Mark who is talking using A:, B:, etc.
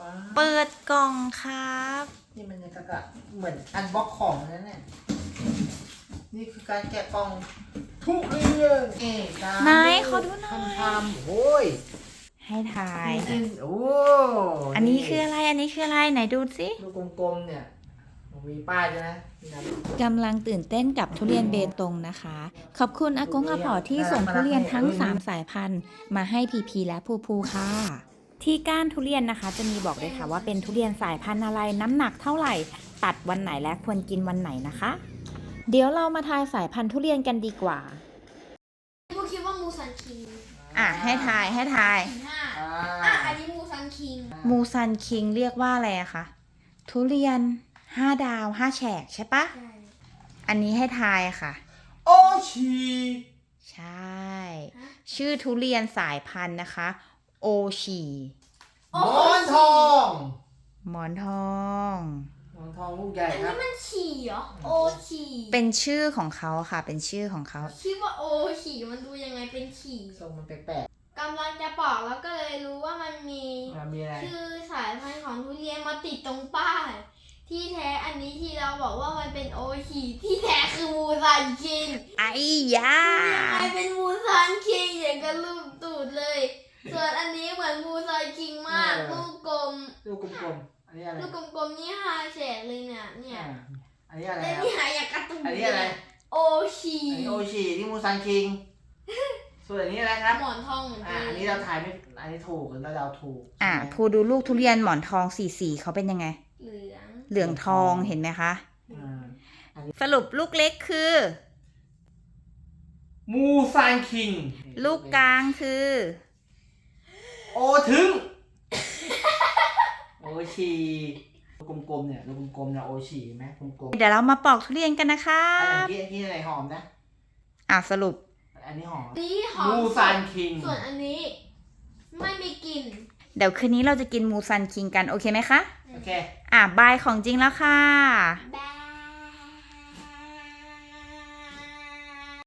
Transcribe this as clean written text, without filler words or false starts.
A: เปิดกล่องครับ
B: นี่มันยังกะเหมือนอันบ็อกของนั่นแหละนี่คือการแกะกล่องทุเรียน
A: ไหนขอดูหน่อย
B: ทำโอ้ย
A: ให้ทาย
B: โอ้
A: อันนี้คืออะไรอันนี้คืออะไรไหนดูสิ
B: ลูกกลมๆเนี่ยมีป้ายใช่ไหมนี่นะ
A: กำลังตื่นเต้นกับทุเรียนเบตงนะคะ ขอบคุณอากงอาผอที่ส่งทุเรียนทั้ง 3 สายพันธุ์มาให้พีพีและภูภูค่ะ ที่ก้านทุเรียนนะคะ จะมีบอกด้วยค่ะว่าเป็นทุเรียนสายพันธุ์อะไรน้ำหนักเท่าไหร่ ตัดวันไหนและควรกินวันไหนนะคะ เดี๋ยวเรามาทายสายพันธุ์ทุเรียนกันดีกว่า
C: พวกคิดว่ามูซันคิง
A: ให้ทาย
C: อันนี้มูซันคิง
A: มูซันคิงเรียกว่าอะไรอะคะทุเรียน5 ดาว 5 แฉกใช่ปะ
C: ใช่
A: อันนี้ให้ทายค่ะ
B: โอชี
A: ใช่ ชื่อทุเรียนสายพันธุ์นะคะ โอชี
B: หมอนทอง
A: หมอนทอง
B: หมอนทองลูกใหญ่
C: อัน
B: ครั
C: นี้
B: บ
C: มันฉี่เหรอ โอฉี่
A: เป็นชื่อของเขาค่ะ เป็นชื่อของเขา
C: คิดว่าโอฉี่มันดูยังไงเป็นฉี่
B: ทรงมันแปลก
C: กำลังจะบอกแล้วก็เลยรู้ว่ามันมี
B: ๆมีอะไร
C: ชื่อสายพันธุ์ของทุเรียนมาติดตรงป้าย ที่แท้อันนี้ที่เราบอกว่ามันเป็นโอฉี่ที่แท้คือมูซันคิง
A: ไอ้ยา
C: ยังไงเป็นมูซันคิงอย่างกับรูปตูดเลย ส่วนอันนี้เหมือนมูซันคิงมากลูกกลม
B: ลูกกลมๆอันนี้อะไร
C: ลูกกลมๆนี่5 แฉกเลยเนี่ย
B: อันนี้อะไร
C: และ
B: ครับ
C: นี่หายากการ์ตูน
B: อันนี้อะไร
C: โอชี
B: อันนี้โอชีที่มูซันคิง ส่วนอันนี้อะไรครับ
C: หมอนทองเหมือนกั
B: อันนี้เราถ่ายไม่ อันนี้ถูกหรือเราเดาถูก
A: อ่ะ
B: ใช่ไหม
A: พูดูลูกทุเรียนหมอนทองสีเขาเป็นยังไง
C: เหลือง
A: เหลืองทองเห็นไหมคะ
B: อ่า
A: สรุปลูกเล็กคือ
B: มูซันคิง
A: ลูกกลางคือ
B: โอถึง โอชีลูกกลมๆเนี่ยลูกกลมๆเนี่ยโอชีเห็นไหมกลมๆ
A: เดี๋ยวเรามาปอกทุเรียนกันนะคะ
B: อันนี้อะไรหอมนะ
A: สรุป
B: อันนี้หอม
C: นี่หอม
B: มูซันคิง
C: ส่วนอันนี้ ไม่มีกลิ่น
A: เดี๋ยวคืนนี้เราจะกินมูซันคิงกันโอเคไหมคะ
B: โอเค
A: บายของจริงแล้วค่ะ
C: แบ